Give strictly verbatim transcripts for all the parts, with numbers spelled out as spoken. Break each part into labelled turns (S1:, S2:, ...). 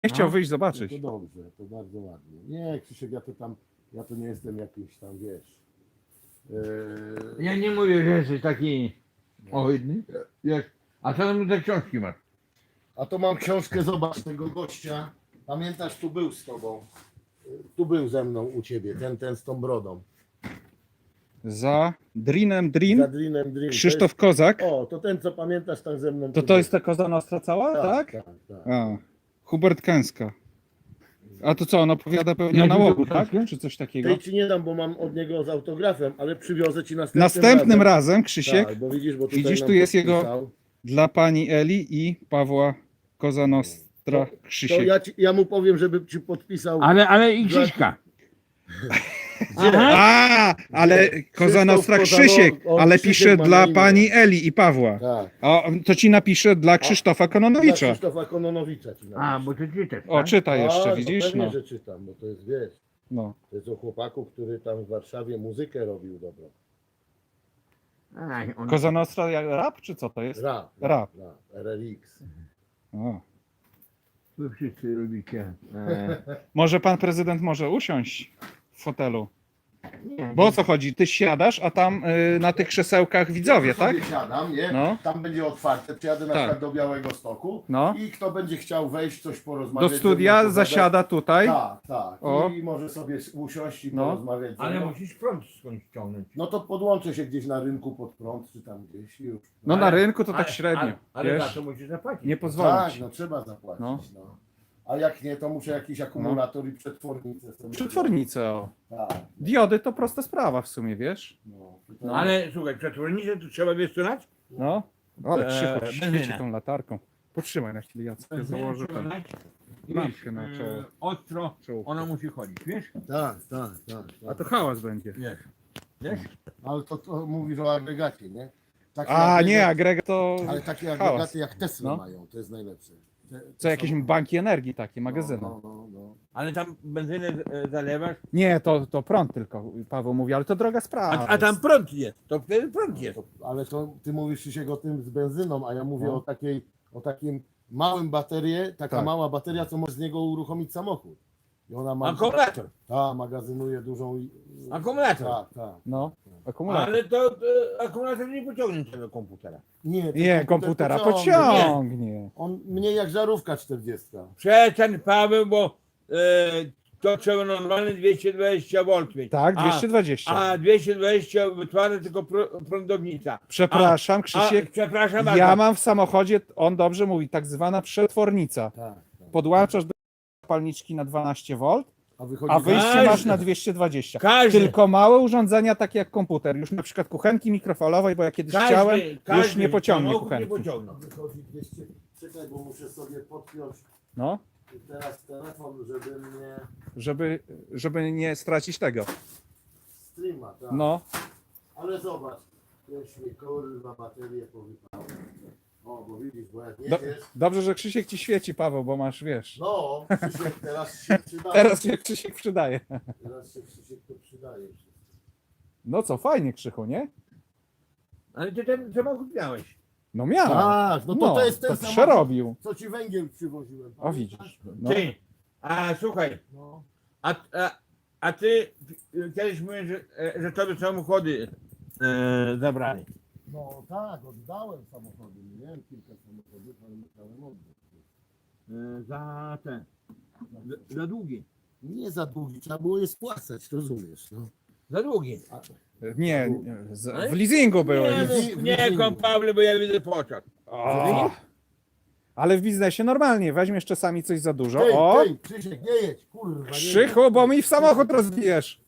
S1: Nie chciał
S2: No.
S1: wyjść
S3: No
S1: zobaczyć.
S3: to dobrze, to bardzo ładnie. Nie, Krzysiek, ja to tam, ja to nie jestem jakiś tam, wiesz. Yy,
S2: Ja nie mówię, że jesteś taki ohydny. Jak... A co tam za książki masz?
S3: A to mam książkę, zobacz tego gościa. Pamiętasz, tu był z tobą. Yy, Tu był ze mną u ciebie, ten, ten z tą brodą.
S1: Za Drinem
S3: Za
S1: Drin,
S3: Drinem Dream.
S1: Krzysztof Kozak.
S3: To jest, o, to ten, co pamiętasz, tam ze mną.
S1: To
S3: tu
S1: to
S3: był.
S1: jest ta Koza Nostra cała, tak?
S3: Tak, tak, tak.
S1: A, Hubert Kęska. A to co, on opowiada pewnie
S2: Ja
S1: o
S2: widzę
S1: nałogu,
S2: książkę.
S1: tak? Czy coś takiego?
S3: Tej ci nie dam, bo mam od niego z autografem, ale przywiozę ci następnym,
S1: Następnym razem, Krzysiek,
S3: Tak, bo widzisz, bo tutaj
S1: widzisz,
S3: nam
S1: tu jest jego-
S3: podpisał.
S1: dla pani Eli i Pawła Koza Nostra
S3: To
S1: Krzysiek.
S3: ja, ci, ja mu powiem, żeby ci podpisał.
S2: Ale, ale i Krzyśka. Aha.
S1: A, ale Koza Nostra
S3: Krzysztof
S1: Krzysiek,
S3: Kozanow- on
S1: ale
S3: Krzysiek
S1: pisze
S3: ma
S1: dla
S3: na imię.
S1: pani Eli i Pawła.
S3: Tak.
S1: A to ci napisze dla Krzysztofa
S3: Dla
S1: Kononowicza.
S3: Krzysztofa Kononowicza ci
S2: A,
S3: napiszę.
S2: bo ty czytasz,
S1: O,
S2: tak?
S1: czyta
S3: A,
S1: jeszcze,
S3: no
S1: widzisz?
S3: pewnie,
S1: No.
S3: że czytam, bo to jest, wiesz,
S1: No.
S3: to jest o chłopaku, który tam w Warszawie muzykę robił dobrą.
S2: A, on...
S1: Koza Nostra jak rap, czy co to jest?
S3: Rap.
S1: Rap.
S3: rap R R X.
S1: O.
S2: Wy wszyscy lubicie. E...
S1: Może pan prezydent może usiąść w fotelu?
S2: Nie,
S1: Bo o co chodzi? Ty siadasz, a tam y, na tych krzesełkach widzowie,
S3: Ja
S1: tak?
S3: sobie siadam, nie?
S1: No.
S3: Tam będzie otwarte, przyjadę na
S1: Tak.
S3: przykład do Białego Stoku
S1: No.
S3: i kto będzie chciał wejść, coś porozmawiać.
S1: Do
S3: ze mną,
S1: studia
S3: pogadać.
S1: zasiada tutaj.
S3: Tak, tak.
S1: O.
S3: I może sobie usiąść i
S1: No.
S3: porozmawiać ze
S2: ale
S3: mną.
S2: musisz prąd skądś ściągnąć.
S3: No to podłączę się gdzieś na rynku pod prąd, czy tam gdzieś i już.
S1: No na
S2: Ale-
S1: rynku to tak
S2: ale-
S1: średnio,
S2: Ale, ale za
S1: wiesz?
S2: to musisz zapłacić.
S1: Nie
S3: Tak,
S1: pozwolić.
S3: no trzeba zapłacić.
S1: No.
S3: No. A jak nie, to muszę jakiś akumulator i przetwornicę sobie.
S1: Przetwornicę, o.
S3: Tak.
S1: Diody to prosta sprawa w sumie, wiesz?
S3: No.
S1: No.
S2: Ale słuchaj, przetwornicę to trzeba wiesz co lać?
S1: No. Ale
S2: Eee,
S1: Krzychu świeci
S2: benzyna.
S1: tą latarką. Potrzymaj na chwilę, Jacek, ja założę
S2: Trzeba
S1: ten.
S2: lać i
S1: lampkę
S2: wiesz,
S1: na czoło.
S2: e, Ostro,
S1: Czoło.
S2: ona musi chodzić, wiesz?
S3: Tak, tak, tak.
S1: A
S3: tak.
S1: to hałas będzie.
S2: Wiesz. Wiesz?
S3: Ale to, to mówisz o agregacie, nie? Takie
S1: A
S3: agregaty-
S1: nie, agregat to
S3: Ale takie
S1: hałas.
S3: agregaty jak Tesla
S1: No.
S3: mają, to jest najlepsze. Te, te
S1: Co, jakieś
S3: są-
S1: banki energii takie, magazyny.
S3: No, no, no, no.
S2: Ale tam benzynę e, zalewasz,
S1: Nie, to, to prąd tylko, Paweł mówi, ale to droga
S2: a,
S1: sprawa.
S2: a tam prąd jest, to wtedy prąd jest.
S3: To, ale to ty mówisz Krzysiek o tym z benzyną, a ja mówię
S1: No.
S3: o takiej, o takim małym baterię, taka
S1: Tak.
S3: mała bateria, co może z niego uruchomić samochód. I ona ma.
S2: Akumulator,
S3: Ta, magazynuje dużą. i-
S2: akumulator.
S3: Tak, tak.
S1: No, akumulator.
S2: Ale to, to akumulator nie pociągnie tego komputera.
S3: Nie, ten
S1: Nie, komputera
S3: pociągnie.
S1: pociągnie.
S3: On mnie jak żarówka czterdziestka.
S2: Przestań Paweł, bo e, to trzeba normalnie dwieście dwadzieścia wolt mieć.
S1: Tak,
S2: A-
S1: dwieście dwadzieścia.
S2: A dwieście dwadzieścia wytwarza tylko pr- prądownica.
S1: Przepraszam,
S2: A,
S1: Krzysiek,
S2: przepraszam
S1: ja
S2: bardzo.
S1: mam w samochodzie, on dobrze mówi, tak zwana przetwornica.
S3: Tak, tak.
S1: Podłączasz do zapalniczki na dwanaście wolt,
S3: A wychodzi
S1: a wyjście
S2: Każdy.
S1: masz na dwieście dwadzieścia.
S2: Każdy,
S1: Tylko małe urządzenia, takie jak komputer, już na przykład kuchenki mikrofalowej, bo ja kiedyś
S2: każdy,
S1: chciałem, już
S2: każdy
S1: nie pociągnie
S2: samochód nie
S1: kuchenki.
S2: pociągną.
S3: Wychodzi dwieście. Czekaj, bo muszę sobie podpiąć
S1: No,
S3: teraz telefon, żeby mnie
S1: żeby, żeby nie stracić tego.
S3: streama, tak.
S1: No,
S3: Ale zobacz, już mi kurwa baterię powypało. O, bo widzisz, bo jak
S1: do,
S3: jedziesz,
S1: dobrze, że Krzysiek ci świeci, Paweł, bo masz, wiesz.
S3: no, Krzysiek teraz się przydaje.
S1: Teraz się Krzysiek przydaje.
S3: Teraz się Krzysiek to przydaje.
S1: No co, fajnie, Krzychu, nie?
S2: Ale ty ten samochód miałeś.
S1: No miał.
S3: Tak, no to to jest ten
S1: to
S3: samochód,
S1: przerobił.
S3: co ci węgiel przywoziłem.
S1: O, widzisz. No.
S2: Ty, a słuchaj,
S3: No.
S2: a, a, a ty y, kiedyś mówisz, że, e, że tobie samochody e, zabrali.
S3: No tak, oddałem samochody. Miałem kilka samochodów, ale musiałem oddać.
S2: E, za ten, za, za długi.
S3: Nie za długi, trzeba było je spłacać, rozumiesz, no.
S2: Za długi.
S3: A,
S1: Nie, nie, z, w leasingu były.
S2: Nie,
S3: w-
S2: mów, nie kom Pawle, bo ja widzę pociąg.
S1: O, ale w biznesie normalnie, weźmiesz czasami coś za dużo.
S3: Tej,
S1: O,
S3: tej, Krzysiek, nie jedź, kurwa. nie
S1: Krzychu, bo mi w samochód rozbijesz.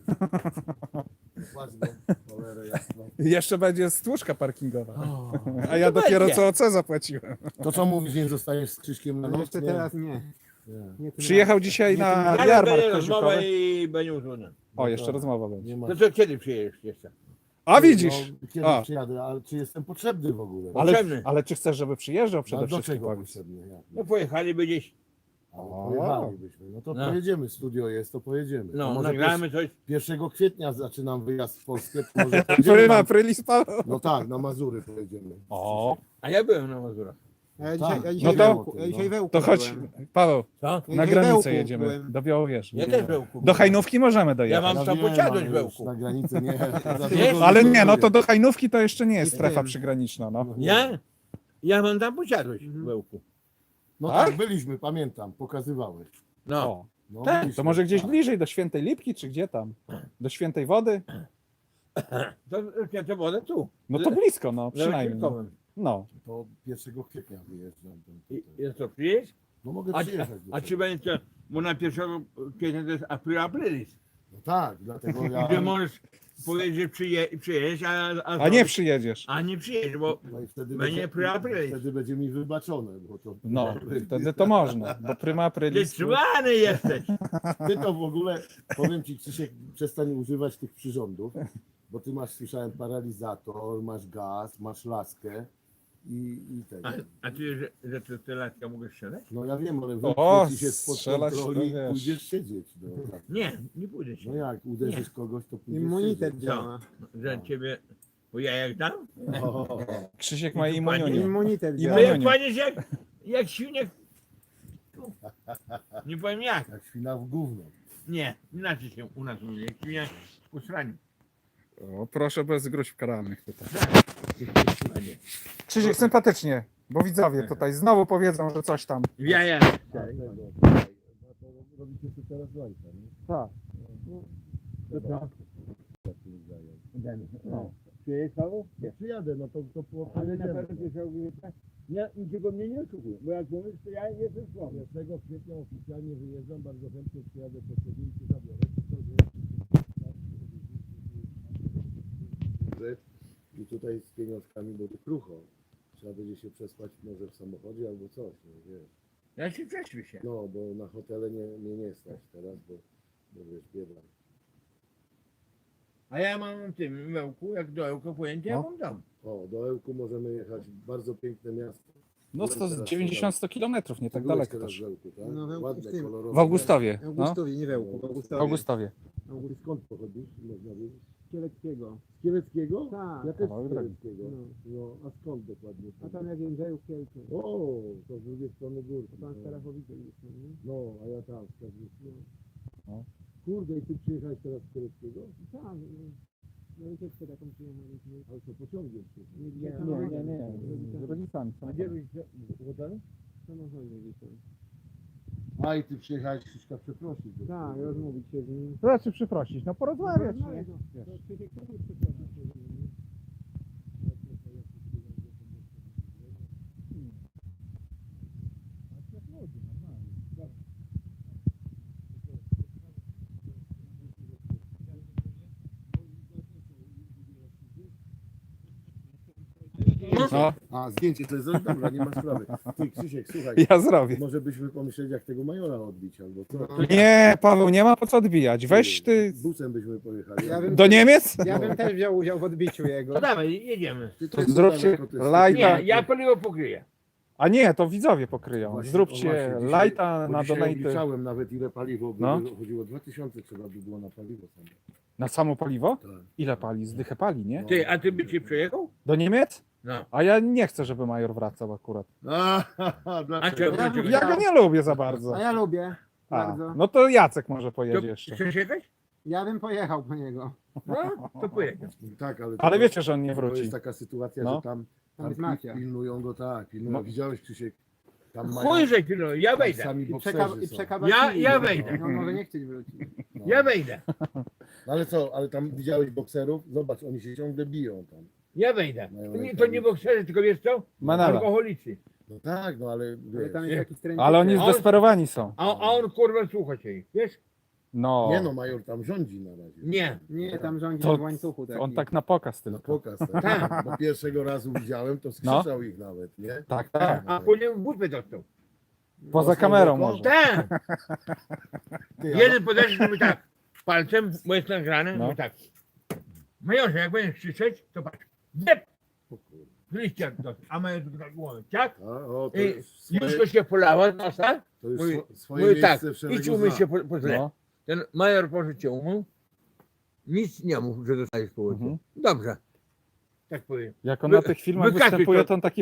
S3: Płać go, cholerę jasną.
S1: Jeszcze będzie stłuczka parkingowa.
S3: O.
S1: A ja
S2: to
S1: dopiero
S2: będzie.
S1: co O C zapłaciłem.
S3: To co mówisz, nie zostajesz z Krzyśkiem na
S4: No
S3: noc?
S4: jeszcze
S3: Nie.
S4: teraz nie.
S3: Nie,
S4: nie tym
S1: Przyjechał dzisiaj na
S2: Ale
S1: jarmark
S2: będzie rozmowa
S1: koziukowy.
S2: i będzie uzgodnione.
S1: O, jeszcze rozmowa będzie.
S3: nie ma.
S2: To co, kiedy przyjedziesz jeszcze?
S1: A widzisz.
S3: No, kiedy
S1: A.
S3: przyjadę, ale czy jestem potrzebny w ogóle?
S1: Ale,
S2: Potrzebny.
S1: ale czy chcesz, żeby przyjeżdżał przede
S3: Ale do
S1: wszystkim?
S3: czego
S1: powiedz?
S3: potrzebny? Jak?
S2: No pojechaliby gdzieś,
S3: Ale
S1: O.
S3: pojechalibyśmy. No to
S2: No.
S3: pojedziemy, studio jest, to pojedziemy. To
S2: no
S3: może
S2: nagramy coś.
S3: pierwszego kwietnia zaczynam wyjazd w Polskę. to Może pojedziemy
S1: Pryma,
S3: na,
S1: prylis, Paweł.
S3: no tak, na Mazury pojedziemy.
S1: O,
S2: A ja byłem na Mazurach.
S4: A ja dzisiaj,
S3: Tak.
S4: ja dzisiaj
S1: No to-
S4: wełku, ja dzisiaj wełku
S1: To chodź,
S4: byłem.
S1: Paweł,
S2: Co?
S4: Ja
S1: na
S4: dzisiaj
S1: granicę
S4: wełku
S1: jedziemy,
S4: byłem.
S1: do Białowieży.
S2: Ja też wełku.
S1: Do Hajnówki możemy
S2: Ja
S1: dojechać.
S2: mam
S3: Ja
S2: tam
S3: wiem,
S2: posiadłość
S3: ale już
S2: wełku.
S3: Na granicę nie. za
S2: Wiesz?
S3: dużo
S1: Ale
S3: nie
S1: nie, no
S3: robię.
S1: to do Hajnówki to jeszcze nie jest
S4: Nie
S1: strefa
S4: wiem.
S1: przygraniczna, no.
S2: Ja? Ja mam tam posiadłość
S4: Mhm.
S2: wełku.
S3: No
S1: Tak?
S3: tak, byliśmy, pamiętam, pokazywałeś.
S2: No.
S1: O,
S3: No,
S2: Tak.
S3: byliśmy,
S1: to może gdzieś
S3: tak.
S1: bliżej, do Świętej Lipki, czy gdzie tam? Do Świętej Wody?
S2: To, to, to wodę tu.
S1: No to blisko, no, przynajmniej.
S2: Przynajmniej.
S1: No.
S3: To pierwszego kwietnia wyjeżdżam. tam
S2: I,
S3: tutaj.
S2: i co, przyjeźdź?
S3: No mogę
S2: A, a,
S3: przyjechać. do
S2: a
S3: ciebie.
S2: czy będzie, bo na pierwszego kwietnia to jest april aprilis.
S3: No tak, dlatego ja...
S2: Gdzie możesz powiedzieć, że przyje, przyjeźdź, a, a,
S1: A nie przyjedziesz.
S2: a nie przyjeźdź, bo
S3: No i wtedy
S2: będzie
S3: będzie,
S2: april aprilis.
S3: wtedy będzie mi wybaczone, bo to...
S1: No, wtedy to można, bo prima
S2: Ty
S1: aprilis...
S2: cwany jesteś.
S3: Ty to w ogóle, powiem ci Krzysiek, przestań używać tych przyrządów, bo ty masz, słyszałem, paralizator, masz gaz, masz laskę i, i tego.
S2: A, a ty, że, że ty, ty latka mogę strzelać?
S3: No ja wiem, ale
S1: O,
S3: wypnie ci się spod
S1: strzelać to
S3: kontroli i
S1: wiesz.
S3: pójdziesz siedzieć. No, tak.
S2: Nie, nie pójdę się.
S3: No jak uderzysz kogoś, to pójdziesz
S4: Immunitet
S3: siedzieć.
S4: działa.
S2: Że ciebie, bo ja jak dam?
S3: O,
S1: Krzysiek ma
S2: I tu
S1: immunię.
S4: Immunitet
S1: I
S2: To
S4: działa.
S1: moje-
S2: jak paniesz jak, jak świniak. Nie powiem jak.
S3: jak świna w gówno.
S2: Nie, inaczej się u nas mówi. Jak świniak w usraniu.
S1: O, proszę bez gruźb karalnych tutaj. Krzysiek, sympatycznie, bo widzowie tutaj znowu powiedzą, że coś tam.
S2: Ja, ja.
S3: Robicie tu teraz łańca, nie?
S1: Tak.
S2: No. Przyjedziesz Paweł?
S3: No przyjadę, no to, to po
S2: Ale na
S3: pojedziemy.
S2: pewno się ogólnie ja niczego mnie nie oszukuję, bo jak mówisz, to ja jestem słaby.
S3: pierwszego kwietnia oficjalnie wyjeżdżam, bardzo chętnie przyjadę po ciebie i cię zabiorę. I tutaj z pieniążkami będzie krucho. Trzeba będzie się przespać może w samochodzie albo coś, no wiesz.
S2: Ja się prześpię się.
S3: No, bo na hotele nie, mnie nie stać teraz, bo, bo wiesz, bieda.
S2: A ja mam w tym wełku, jak do Ełka pojęcie, ja
S1: No.
S2: mam dom.
S3: O, do Ełku możemy jechać, bardzo piękne miasto.
S1: No to z dziewięćdziesiąt sto kilometrów, nie tak
S3: Byłeś
S1: daleko
S3: teraz
S1: też.
S3: w Ełku, tak?
S4: No, w Ełku
S3: Ładne,
S4: w tym.
S3: kolorowe.
S1: W Augustowie,
S4: W
S1: no.
S4: Augustowie, nie wełku, w
S1: W
S4: Augustowie.
S1: Augustowie.
S3: Ty skąd pochodzisz, można wiedzieć?
S4: Kieleckiego.
S3: Z Kieleckiego?
S4: Tak.
S3: Ja też
S1: Kawałek
S3: z
S1: drogi.
S3: Kieleckiego.
S4: No.
S3: No, a skąd dokładnie?
S4: A tam jak Jędrzejów Kielce.
S3: O, to z drugiej strony gór.
S4: To pan z Starachowice jest, nie?
S3: No, a ja tam, z Karwicy.
S1: No.
S3: Kurde, i ty przyjechałeś teraz z Kieleckiego?
S4: Tak, no wycieczkę taką przyjechaliśmy.
S3: Ale to pociągiem przyjechałeś.
S4: Nie,
S1: Nie, nie, nie, z rodzicami.
S2: A gdzie byś w hotelu?
S4: W samochodzie dzisiaj.
S3: A i ty przyjechałeś Krzyśka przeprosić. bo-
S4: Tak, rozmówić się z nim.
S1: To znaczy przeprosić, no porozmawiać,
S4: No,
S1: nie?
S4: no,
S1: Wiesz.
S4: to Krzysiek też jest przeprosić się z nim.
S1: No,
S3: A, zdjęcie to jest dobra, nie ma sprawy. Ty Krzysiek, słuchaj,
S1: ja zrobię.
S3: może byśmy pomyśleli, jak tego majora odbić, albo co?
S1: Nie, Paweł, nie ma po co odbijać. Weź ty
S3: Busem byśmy pojechali.
S4: Ja bym-
S1: do Niemiec,
S4: Ja bym też wziął udział w odbiciu jego.
S2: No dawaj, jedziemy.
S3: Ty
S1: to
S3: jest
S1: zróbcie
S3: daleko, to jest-
S1: lajta.
S2: Nie, ja paliwo pokryję.
S1: A nie, to widzowie pokryją.
S3: Właśnie, o
S1: Zróbcie
S3: właśnie, dzisiaj-
S1: lajta
S3: bo
S1: na
S3: dzisiaj
S1: donaty.
S3: obliczałem nawet ile paliwo by
S1: No.
S3: było, chodziło dwa tysiące trzeba by było na paliwo samo.
S1: Na samo paliwo?
S3: Tak.
S1: Ile pali? Zdychę pali, nie?
S2: Ty, a ty by ci przejechał?
S1: Do Niemiec?
S2: No.
S1: A ja nie chcę, żeby major wracał akurat.
S3: A,
S2: A
S3: dlaczego?
S2: czego?
S4: Ja-
S2: czego?
S1: Ja go nie lubię za bardzo.
S4: A ja lubię.
S1: A,
S4: Bardzo.
S1: no to Jacek może
S2: To
S1: pojedzie jeszcze.
S2: chcesz jechać?
S4: Ja bym pojechał po niego.
S2: No, to pojedzie.
S3: Tak, ale,
S1: Ale
S3: to-
S1: wiecie, że on nie
S3: to
S1: wróci.
S3: jest taka sytuacja,
S1: No.
S3: że tam,
S4: Tam
S3: tam
S4: jest
S3: pi-
S4: mafia.
S3: pilnują go, tak, pilnują.
S1: No.
S3: Widziałeś Krzysiek, tam
S2: Chuj, że ty, no, ja
S3: tam
S2: wejdę.
S3: sami
S4: I,
S3: bokserzy
S4: przeka- i
S3: są.
S4: przekabacili.
S2: Ja- ja
S4: go.
S2: wejdę.
S4: No, może nie chcieć wrócić.
S3: No.
S2: Ja wejdę.
S3: No ale co, ale tam widziałeś bokserów? Zobacz, oni się ciągle biją tam.
S2: Ja wejdę.
S3: Mają
S2: To nie,
S3: rękawice.
S2: to nie bokserzy, tylko wiesz co?
S1: Menele.
S2: Alkoholicy.
S3: No tak, no ale
S4: Ale
S3: wiesz,
S4: tam
S2: Nie.
S4: jest taki stręczyk.
S1: Ale oni
S2: On-
S1: zdesperowani są.
S2: A, a on kurwa słucha się ich, wiesz?
S1: No,
S3: nie no, major tam rządzi na razie.
S2: Nie.
S4: Nie, tam rządzi
S1: To-
S4: w łańcuchu taki.
S1: on tak na pokaz
S3: Na
S1: tylko.
S3: pokaz, tak.
S2: Tak.
S3: Bo pierwszego razu widziałem, to skrzyczał ich nawet, nie?
S1: Tak, tak.
S2: A później w bupę dostał.
S1: Poza kamerą może.
S2: Tak.
S3: Ty, a-
S2: Jeden podeszł mówi tak. Palcem, bo jest nagrane,
S1: No.
S2: mówi tak. Majorze, jak będziesz krzyczeć, to patrz. Dep!
S3: O kurde.
S2: Z liścia dostał. A major tak głowę, tak?
S3: A, o, to
S2: I
S3: już swoje,
S2: Jusko się polała z nosa.
S3: to już
S2: mówi-
S3: swo- swoje
S2: Mówi tak,
S3: miejsce w szeregu
S2: idź umyj
S3: zna.
S2: się po, po źle.
S1: No.
S2: Ten major poszedł się umył. Nic nie mów, że dostajesz po łyżce.
S1: Mhm.
S2: Dobrze. Tak powiem.
S1: Jak on
S2: Wy-
S1: na tych filmach
S2: wykasuj
S1: występuje,
S2: to.
S1: to on taki bardzo tam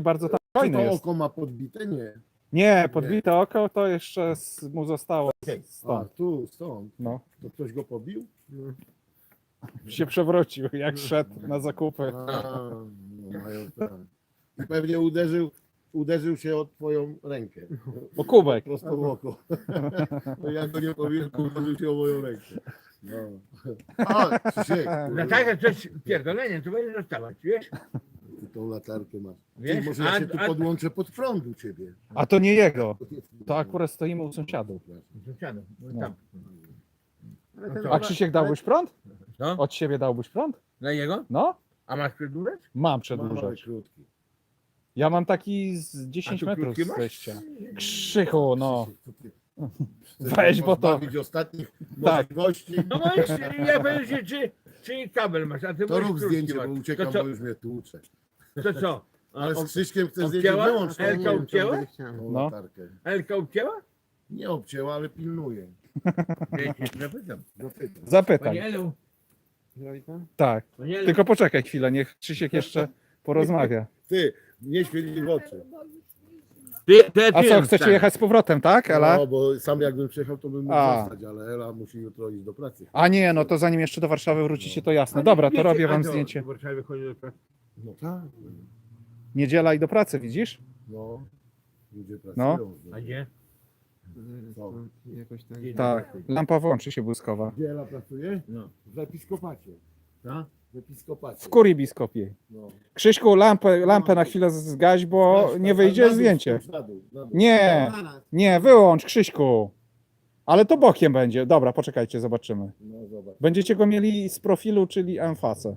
S1: Fajne
S3: to
S1: jest.
S3: oko ma podbite? Nie.
S1: Nie, podbite oko to jeszcze z, mu zostało
S3: A,
S1: stąd.
S3: tu, stąd.
S1: No.
S3: To ktoś go pobił?
S1: Się przewrócił, jak szedł na zakupy.
S3: A, no mają tak. I pewnie uderzył, uderzył się o twoją rękę.
S1: O kubek.
S3: Prosto w oko. No ja go nie powiem, uderzył się o moją rękę. No. O, Krzysiek,
S2: Na takie coś pierdolenie, to będzie dostawać, wiesz?
S3: ty tą latarkę masz. Ty,
S2: Wiesz,
S3: może ja
S2: a-
S3: się tu
S2: a-
S3: podłączę pod prąd u ciebie.
S1: A to nie jego. To akurat stoimy u sąsiadów.
S2: Sąsiadów, no
S1: No.
S2: tam.
S4: Ale
S2: No
S4: ten
S2: to-
S1: A Krzysiek dałbyś prąd?
S2: Co?
S1: Od siebie dałbyś prąd?
S2: Dla jego?
S1: No,
S2: A masz przedłużać?
S1: mam
S3: Mały,
S1: przedłużać.
S3: krótki.
S1: Ja mam taki z
S2: A
S1: dziesięć
S2: tu
S1: metrów
S2: krótki
S1: z
S2: masz?
S1: wejścia. Krzychu, no.
S3: Krzysiek, co ty chcesz
S1: Weź, bo to...
S3: pozbawić ostatnich
S1: Tak.
S3: gości.
S2: No możesz, ja powiem się, czy, czy kabel masz, a ty
S3: To
S2: możesz
S3: rób
S2: krótki
S3: zdjęcie,
S2: masz.
S3: bo uciekam,
S2: To co?
S3: bo już mnie tłucze.
S2: To co? A,
S3: Ale
S2: o-
S3: z Krzyśkiem chcę zdjęcie,
S2: obcięła?
S3: wyłącz tą,
S2: Elka obcięła?
S3: tą
S1: No.
S3: latarkę.
S2: Elka obcięła?
S3: Nie obcięła, ale pilnuje.
S2: Ja cię zapytam.
S3: Zapytam.
S1: Zapytaj.
S2: Panie Elu,
S4: Zrobi pan?
S1: Tak.
S2: panie Elu,
S1: Tylko poczekaj chwilę, niech Krzysiek jeszcze porozmawia.
S3: Ty, nie świeci w oczy.
S2: ty, ty,
S1: A
S2: ty
S1: co, chcecie
S2: wstanie.
S1: jechać z powrotem, tak, Ela?
S3: No, bo sam jakbym przyjechał, to bym mógł
S1: A.
S3: zostać, ale Ela musi jutro iść do pracy.
S1: A nie, no to zanim jeszcze do Warszawy wrócicie, to jasne. Dobra, to robię wam zdjęcie.
S2: W Warszawie chodzi do pracy.
S3: No tak.
S1: Niedziela i do pracy, widzisz?
S3: No. Ludzie pracują. No.
S2: A gdzie?
S3: Co?
S4: Jakoś tak.
S1: Tak. Lampa włączy się błyskowa.
S3: Gdzie Ela pracuje?
S2: No.
S3: W episkopacie.
S2: Co?
S3: W episkopacie.
S1: W kurii biskopiej.
S3: No.
S1: Krzyśku, lampę, lampę na chwilę zgaś, bo
S3: Weź,
S1: nie
S3: tak,
S1: wyjdzie
S3: na dół,
S1: zdjęcie.
S3: spójrz na dół, na dół.
S1: Nie, nie, wyłącz, Krzyśku. Ale to bokiem będzie. Dobra, poczekajcie, zobaczymy.
S3: No zobacz.
S1: Będziecie go mieli z profilu, czyli emfasę.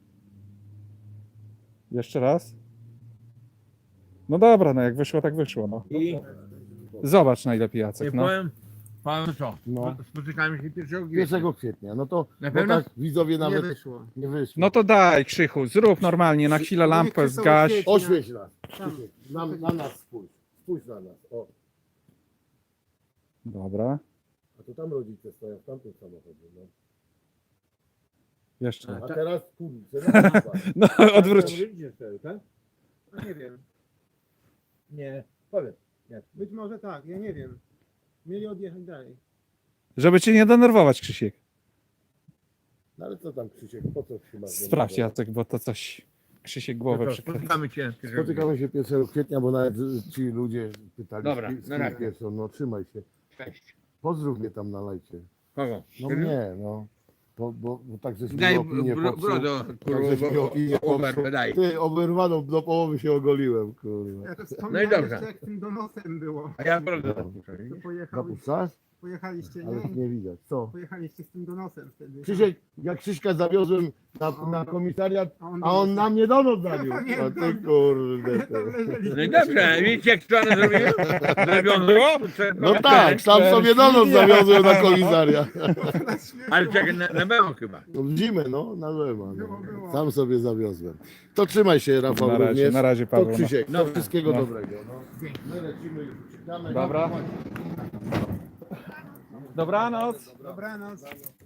S1: Jeszcze raz. No dobra, no jak wyszło, tak wyszło. No.
S2: I
S1: Zobacz najlepiej,
S2: nie
S1: Jacek. No.
S2: powiem panu co?
S3: No.
S2: Spotykamy się pierwszego kwietnia.
S3: pierwszego kwietnia. No to
S2: Na
S3: no
S2: pewno?
S3: tak widzowie
S4: Nie
S3: nawet
S4: wyszło.
S3: nie wyszło.
S1: no to daj, Krzychu, zrób normalnie, na chwilę lampę zgaś.
S3: Oświeć nas.
S4: Tam.
S3: Na, na nas spójrz. Spójrz na nas. O.
S1: Dobra,
S3: A to tam rodzice stoją w tamtym samochodzie. No.
S1: jeszcze.
S3: A teraz kurczę. na nas patrz.
S1: No, odwróć.
S2: Tam ludzie stoją, tak?
S4: No nie wiem.
S2: Nie. Powiedz.
S4: Być może tak, ja nie wiem. Mieli odjechać dalej.
S1: Żeby cię nie denerwować, Krzysiek.
S3: No ale co tam Krzysiek, po co się masz?
S1: Sprawdź, Jacek, bo to coś Krzysiek głowę
S2: No to
S1: przykręca.
S2: spotykamy cię pierwszego
S3: Spotykamy się pierwszego kwietnia, bo nawet ci ludzie pytali,
S2: Dobra,
S3: z kim- z
S2: na
S3: kim
S2: razie.
S3: pierwszą. No trzymaj się.
S2: kwietnia. Cześć.
S3: Pozdrów mnie tam na lajcie.
S2: Kogo?
S3: No mnie, no. Bo, bo, bo tak żeś mi
S2: Daj
S3: opinię
S2: bro,
S3: popsuł.
S2: brodo,
S3: Tak
S2: kurwa,
S3: żeś mi
S2: bo
S3: opinię popsuł.
S2: oberwę, daj.
S3: Ty, oberwaną do połowy się ogoliłem, kurwa.
S4: Ja to
S2: No i
S4: wspominałem
S2: dobrze.
S4: jeszcze, jak tym donosem było.
S2: A ja brodo
S3: No.
S2: zapuszczę.
S4: To pojechali,
S3: Zapuszczasz?
S4: pojechaliście,
S3: Ale
S4: nie?
S3: nie widać. Co?
S4: Pojechaliście z tym donosem wtedy.
S3: Krzysiek, jak Krzyśka zawiozłem na, na komisariat,
S4: A on,
S3: a on na mnie donos zawiózł.
S4: pamiętam.
S3: A ty kurde.
S4: Tam
S3: ty.
S4: leżeli.
S2: No i dobrze, widzicie jak to one zrobiły? Zrobiono było?
S3: No tak, sam sobie donos zawiozłem na komisariat.
S2: Ale czekaj, na, na memo chyba.
S3: No w zimę, no, na zima. No.
S4: Było, było.
S3: Sam sobie zawiozłem. To trzymaj się, Rafał,
S1: Na razie,
S3: również.
S1: na razie,
S3: To
S1: Paweł. No.
S3: Krzysiek, to
S2: Dobra.
S3: wszystkiego
S1: No.
S3: dobrego. No. My lecimy już. Uciekamy.
S1: Dobra. Dobranoc.
S4: Dobranoc.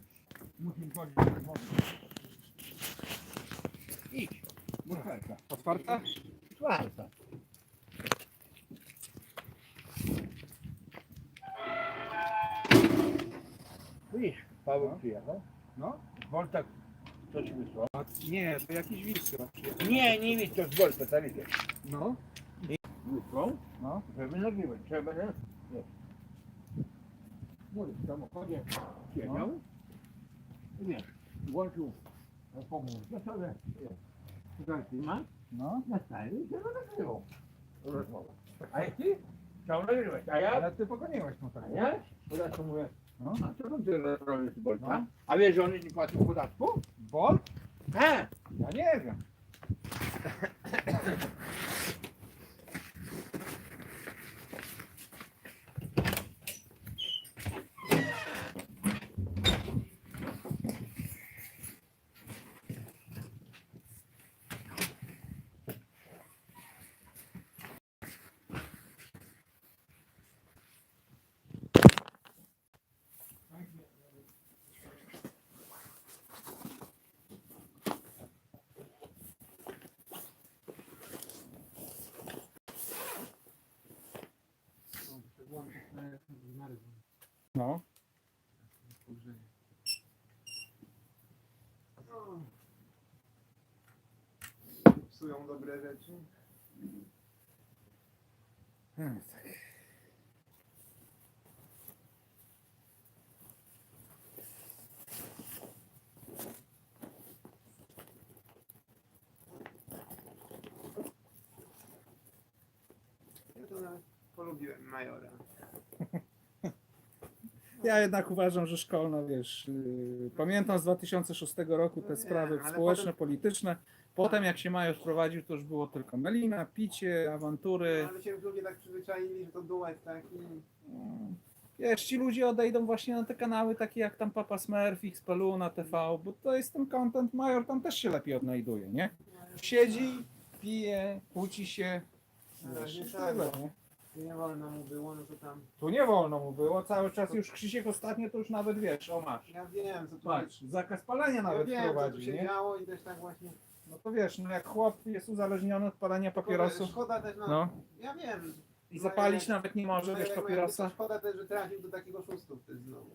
S1: Otwarta?
S2: Czwarta. Widzisz, Paweł przyjechał.
S1: No.
S2: Volta, co ci wysłał?
S1: Nie, to jakiś wilk chyba przyjechał.
S2: Nie, nie widzisz, to z Volta, tak widzisz.
S1: No,
S2: Wysłał,
S1: no.
S2: żeby nagrywać. Trzeba, nie? Wiesz. Mówię, w samochodzie siedział i wiesz, włączył pomówienie sobie, wiesz, ma
S1: No,
S2: na stali i się nagrywał. Rozmowa. A jak ty? Chciał nagrywać, a ja?
S1: ale ty pogoniłeś mu tak.
S2: A ja? Podatku mówię,
S1: No.
S2: a co tam ty robisz z Bolta?
S1: No.
S2: A wiesz, że on nie płacił podatku?
S1: Bolt?
S2: He!
S1: Ja nie wiem. No.
S4: Psują dobre rzeczy.
S1: Hmm, tak.
S4: Ja to nawet polubiłem Majora.
S1: Ja jednak uważam, że szkolna, wiesz, yy, pamiętam z dwa tysiące szóstego roku te
S4: No
S1: sprawy
S4: wiem, ale
S1: społeczne,
S4: potem-
S1: polityczne. Potem jak się Major wprowadził, to już było tylko melina, picie, awantury.
S4: No, ale się ludzie tak przyzwyczaili, że to duet taki.
S1: Wiesz, ci ludzie odejdą właśnie na te kanały takie jak tam Papa Smurf, Xpeluna, T V, bo to jest ten content, Major tam też się lepiej odnajduje, nie? Siedzi, pije, kłóci się.
S4: No,
S1: Wiesz,
S4: nie
S1: i
S4: tak,
S1: tyle,
S4: bo
S1: nie?
S4: nie wolno mu było, no to tam.
S1: Tu nie wolno mu było, cały czas już Krzysiek ostatnio to już nawet wiesz, o masz.
S4: Ja wiem, co tu
S1: Patrz, zakaz palenia
S4: Ja
S1: nawet
S4: wiem, co tu
S1: wprowadził,
S4: się
S1: nie?
S4: działo i też tak właśnie.
S1: No to wiesz, no jak chłop jest uzależniony od palenia papierosów,
S4: Szkoda też, no.
S1: no,
S4: Ja wiem.
S1: i zapalić
S4: Major-
S1: nawet nie może,
S4: Major
S1: wiesz,
S4: jak miał-
S1: papierosa,
S4: Szkoda też, że trafił do takiego szóstu wtedy znowu.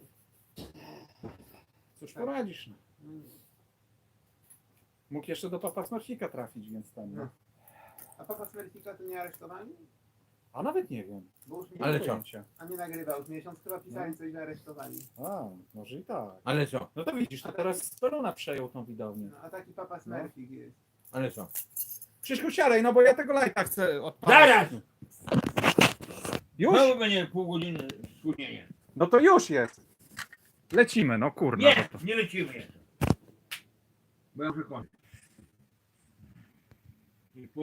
S1: cóż poradzisz, no.
S4: Mm.
S1: Mógł jeszcze do Papa Smurfika trafić, więc tam, no.
S4: No. A papa Smerfika to nie aresztowani?
S1: A nawet nie wiem.
S4: Bo już nie,
S2: Ale
S1: Nie
S2: co?
S1: pojęcia.
S4: A nie nagrywał. Z miesiąc chyba pisali
S1: No.
S4: coś, że aresztowani.
S1: A, może i tak.
S2: Ale co?
S1: No to widzisz, to teraz Speluna przejął tą widownię.
S4: No, a taki papa Smerfik jest.
S2: Ale co?
S1: Krzyśku, siadaj, no bo ja tego lajka chcę odpalić.
S2: Zaraz!
S1: Już?
S2: Znowu będzie pół godziny spóźnienia.
S1: No to już jest. Lecimy, no kurna.
S2: Nie,
S1: no to-
S2: nie lecimy jeszcze. Bo ja muszę kończyć.